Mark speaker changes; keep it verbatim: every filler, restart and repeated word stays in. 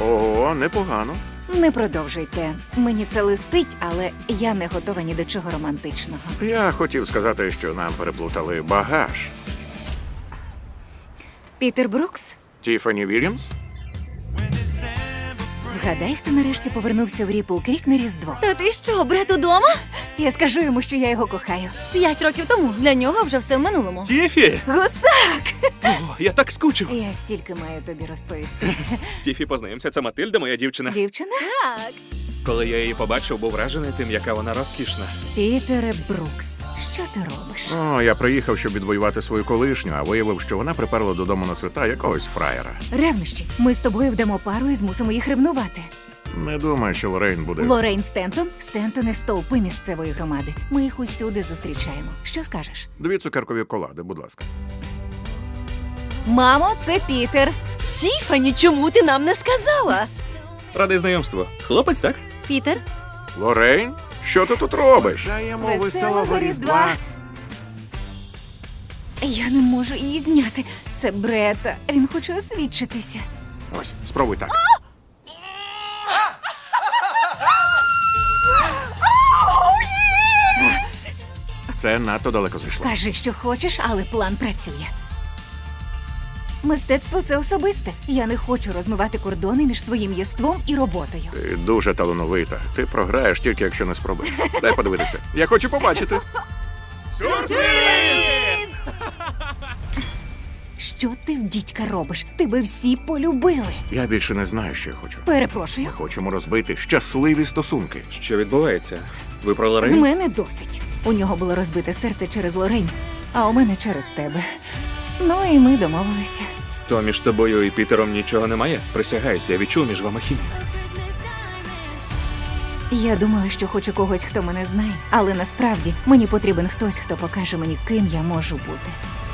Speaker 1: Ого, непогано.
Speaker 2: Не продовжуйте. Мені це листить, але я не готова ні до чого романтичного.
Speaker 1: Я хотів сказати, що нам переплутали багаж.
Speaker 2: Пітер Брукс?
Speaker 1: Тіфані Вільямс?
Speaker 2: Вгадай, хто нарешті повернувся в Ріпл Крік на Різдво.
Speaker 3: Та ти що, брат удома?
Speaker 2: Я скажу йому, що я його кохаю.
Speaker 3: П'ять років тому. Для нього вже все в минулому.
Speaker 4: Тіфі!
Speaker 2: Гусак!
Speaker 4: О, я так скучив.
Speaker 2: Я стільки маю тобі розповісти.
Speaker 4: Тіфі, познайомся, це Матильда, моя дівчина.
Speaker 2: Дівчина?
Speaker 3: Так.
Speaker 4: Коли я її побачив, був вражений тим, яка вона розкішна.
Speaker 2: Пітере Брукс, що ти робиш?
Speaker 1: О, я приїхав, щоб відвоювати свою колишню, а виявив, що вона приперла додому на свята якогось фраєра.
Speaker 2: Ревнощі. Ми з тобою вдамо пару і змусимо їх ревнувати.
Speaker 1: Не думаю, що Лорейн буде.
Speaker 2: Лорейн Стентон, Стентони стовпи місцевої громади. Ми їх усюди зустрічаємо. Що скажеш?
Speaker 1: Дві цукеркові колади, будь ласка.
Speaker 2: Мамо, це Пітер.
Speaker 5: Тіфані, чому ти нам не сказала?
Speaker 4: Радий знайомству. Хлопець, так?
Speaker 3: Пітер?
Speaker 1: Лорейн? Що ти тут робиш? Даємо
Speaker 2: Веселого
Speaker 1: веселого
Speaker 2: Різдва.
Speaker 1: Різдва.
Speaker 2: Я не можу її зняти. Це Брета. Він хоче освідчитися.
Speaker 1: Ось, спробуй так. Це надто далеко зайшло.
Speaker 2: Кажи, що хочеш, але план працює. Мистецтво – це особисте. Я не хочу розмивати кордони між своїм єством і роботою.
Speaker 1: Ти дуже талановита. Ти програєш тільки, якщо не спробуєш. Дай подивитися. Я хочу побачити.
Speaker 2: Що ти в дідька робиш? Тебе всі полюбили.
Speaker 1: Я більше не знаю, що я хочу.
Speaker 2: Перепрошую.
Speaker 1: Ми хочемо розбити щасливі стосунки.
Speaker 4: Що відбувається? Ви про
Speaker 2: З
Speaker 4: Лорейн?
Speaker 2: мене досить. У нього було розбите серце через Лорейн, а у мене через тебе. Ну і ми домовилися.
Speaker 4: То між тобою і Пітером нічого немає? Присягаюся, я відчув між вами хімію.
Speaker 2: Я думала, що хочу когось, хто мене знає, але насправді мені потрібен хтось, хто покаже мені, ким я можу бути.